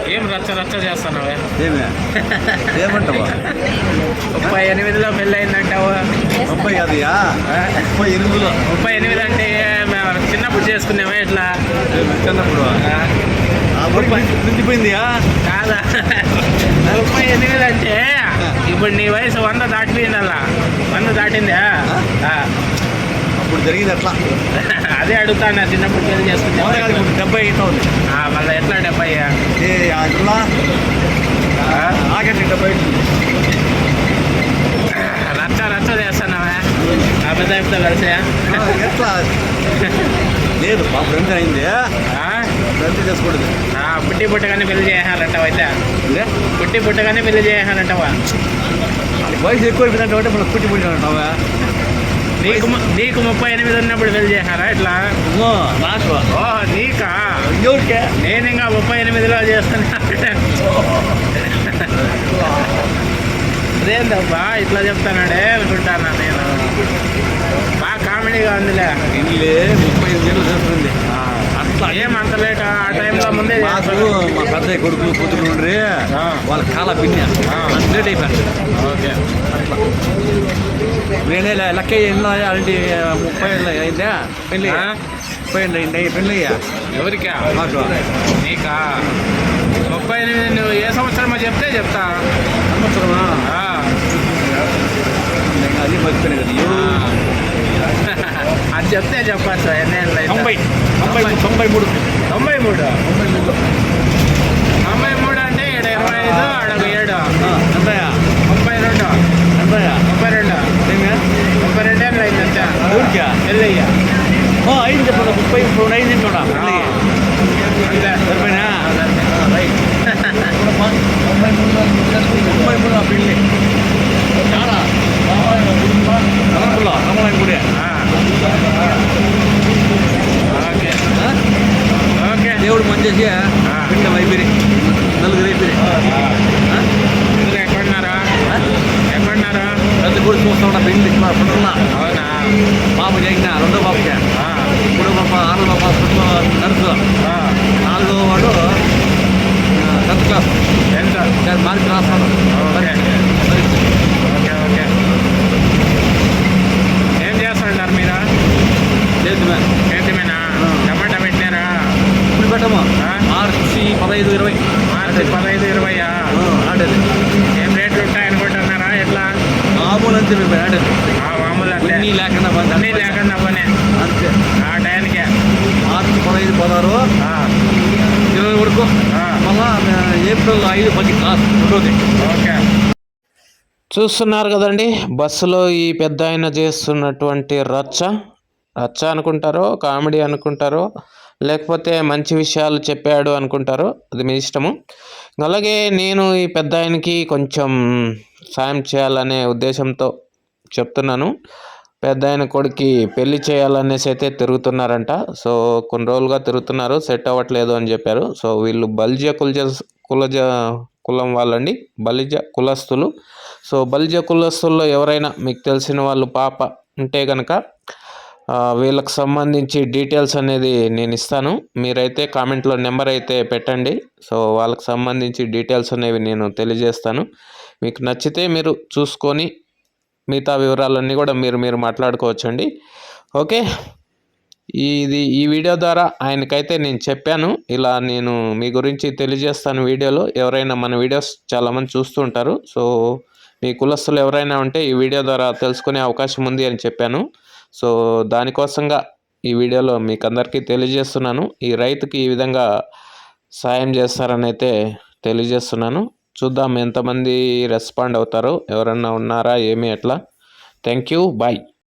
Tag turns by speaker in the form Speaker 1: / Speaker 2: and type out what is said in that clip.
Speaker 1: ఏం రచ్చ రచ్చ చేస్తున్నావే?
Speaker 2: ఏమంటావా?
Speaker 1: 38లో పెళ్ళి అయిందంటావు.
Speaker 2: 30 కాదుయా, 38లో.
Speaker 1: 38 అంటే చిన్నప్పుడు చేసుకున్నావా ఇట్లా?
Speaker 2: చిన్నప్పుడు మించిపోయిందియా
Speaker 1: కాదా? 38 అంటే ఇప్పుడు నీ వయసు 100 దాటిపోయిందల్లా. 100 దాటిందా?
Speaker 2: అప్పుడు జరిగింది అట్లా.
Speaker 1: అదే అడుగుతాను, చిన్నప్పుడు పెళ్లి చేసుకున్నా.
Speaker 2: 70 అవుతుంది.
Speaker 1: మళ్ళీ ఎట్లా 70?
Speaker 2: ఆగండి 70.
Speaker 1: రచ్చ రచ్చ చేస్తున్నావా అబద్ధాయితో కలిసి?
Speaker 2: ఎట్లా లేదు, మా ఫ్రెండ్ అయింది. ఫ్రెండ్ చేసుకోకూడదు.
Speaker 1: పుట్టి పుట్టగానే పెళ్లి చేయాలంటావా? అయితే పుట్టి పుట్టగానే పెళ్లి చేయాలంటావా?
Speaker 2: వయసు ఎక్కువ అయిపోయిందంటే మనం పుట్టి పుట్టి అంటావా?
Speaker 1: నీకు 38 ఉన్నప్పుడు పెళ్లి చేశారా ఇట్లా?
Speaker 2: నాకు
Speaker 1: ఓహో, నీకా?
Speaker 2: ఎవరికే?
Speaker 1: నేను ఇంకా 38లో చేస్తున్నా. అదేందబ్బా ఇట్లా చెప్తానాడే అనుకుంటానా నేను. బాగా కామెడీగా ఉందిలే.
Speaker 2: ఇల్లే 35 ఏళ్ళు చేస్తుంది.
Speaker 1: అట్లా ఏమంత లేట? ఆ టైంలో ముందే
Speaker 2: మా పెద్ద కొడుకులు కూతురు ఉండ్రి, వాళ్ళ కాల పిన్ని లేట్ అయిపోయారు.
Speaker 1: ఓకే,
Speaker 2: అట్లా నేనే లెక్క ఎన్నో అలాంటి 30 ఏళ్ళు అయిందా పెళ్ళి? 30 ఏళ్ళు అయింది పెళ్ళి.
Speaker 1: ఎవరికా?
Speaker 2: మాకు.
Speaker 1: నీకా? 38 నువ్వు ఏ సంవత్సరమో చెప్తే చెప్తా.
Speaker 2: సంవత్సరమా? అది మర్చిపోయినా కదా.
Speaker 1: అది చెప్తే చెప్పచ్చు. ఎన్నేళ్ళు?
Speaker 2: 93.
Speaker 1: 93 అంటే 25 అడగ 7 32 ఏళ్ళు అయిందంటే పెళ్ళయ్యా.
Speaker 2: ఐదు చెప్పండి, 34 అయింది చూడ. సరిపోయినా 93 పెళ్ళి. రమణాయన గుడి.
Speaker 1: Okay okay.
Speaker 2: దేవుడు మంచి పిండం అయిపోయి నలుగురు అయిపోయి.
Speaker 1: ఎక్కడున్నారా?
Speaker 2: పెద్ద గుడి చూస్తా ఉన్నా పెళ్ళి. పుట్టున్నా.
Speaker 1: అవునా?
Speaker 2: పాప చేసిన రెండో పాపకి. మూడో పాప 6వ పాప నర్సు. 4వ వాడు 10th క్లాస్. మార్చి రాస్తాడు.
Speaker 1: Okay okay. ఏం చేస్తుంటారు మీరు? చేతిమేనా? టమాటా పెట్టినారా?
Speaker 2: ఇప్పుడు పెట్టము. మార్చి 15, 20.
Speaker 1: మార్చి 15, 20.
Speaker 2: ఆడేది
Speaker 1: ఏం రేట్లు ఉంటాయనుకుంటున్నారా? ఎట్లా?
Speaker 2: మామూలు అంతే మేము ఆడేది.
Speaker 1: మామూలు అంటే
Speaker 2: అన్నీ లేకుండా
Speaker 1: పని
Speaker 2: అంతే.
Speaker 1: ఆ టైంకే
Speaker 2: మార్చి 15, 16, 20 వరకు. మళ్ళా ఏప్రిల్ 5, 10 క్లాస్ రెండోది.
Speaker 1: ఓకే. చూస్తున్నారు కదండి, బస్సులో ఈ పెద్ద ఆయన చేస్తున్నటువంటి రచ్చ అనుకుంటారో, కామెడీ అనుకుంటారో, లేకపోతే మంచి విషయాలు చెప్పాడు అనుకుంటారో, అది మీ ఇష్టము. అలాగే నేను ఈ పెద్ద ఆయనకి కొంచెం సాయం చేయాలనే ఉద్దేశంతో చెప్తున్నాను. పెద్ద ఆయన కొడుకు పెళ్లి చేయాలనేసి అయితే తిరుగుతున్నారంట. సో కొన్ని రోజులుగా తిరుగుతున్నారు, సెట్ అవ్వట్లేదు అని చెప్పారు. సో వీళ్ళు బల్జియా కులం వాళ్ళండి, బలిజ కులస్తులు. సో బలిజ కులస్తుల్లో ఎవరైనా మీకు తెలిసిన వాళ్ళు పాప ఉంటే కనుక వీళ్ళకి సంబంధించి డీటెయిల్స్ అనేది నేను ఇస్తాను. మీరైతే కామెంట్లో నెంబర్ అయితే పెట్టండి. సో వాళ్ళకి సంబంధించి డీటెయిల్స్ అనేవి నేను తెలియజేస్తాను. మీకు నచ్చితే మీరు చూసుకొని మిగతా వివరాలన్నీ కూడా మీరు మాట్లాడుకోవచ్చండి. ఓకే, ఈ వీడియో ద్వారా ఆయనకైతే నేను చెప్పాను, ఇలా నేను మీ గురించి తెలియజేస్తాను వీడియోలో. ఎవరైనా మన వీడియోస్ చాలామంది చూస్తూ ఉంటారు. సో మీ కులస్తులు ఎవరైనా ఉంటే ఈ వీడియో ద్వారా తెలుసుకునే అవకాశం ఉంది అని చెప్పాను. సో దానికోసంగా ఈ వీడియోలో మీకు అందరికీ తెలియజేస్తున్నాను. ఈ రైతుకి ఈ విధంగా సాయం చేస్తారని అయితే తెలియజేస్తున్నాను. చూద్దాం ఎంతమంది రెస్పాండ్ అవుతారో, ఎవరన్నా ఉన్నారా ఏమి ఎట్లా. Thank you, bye.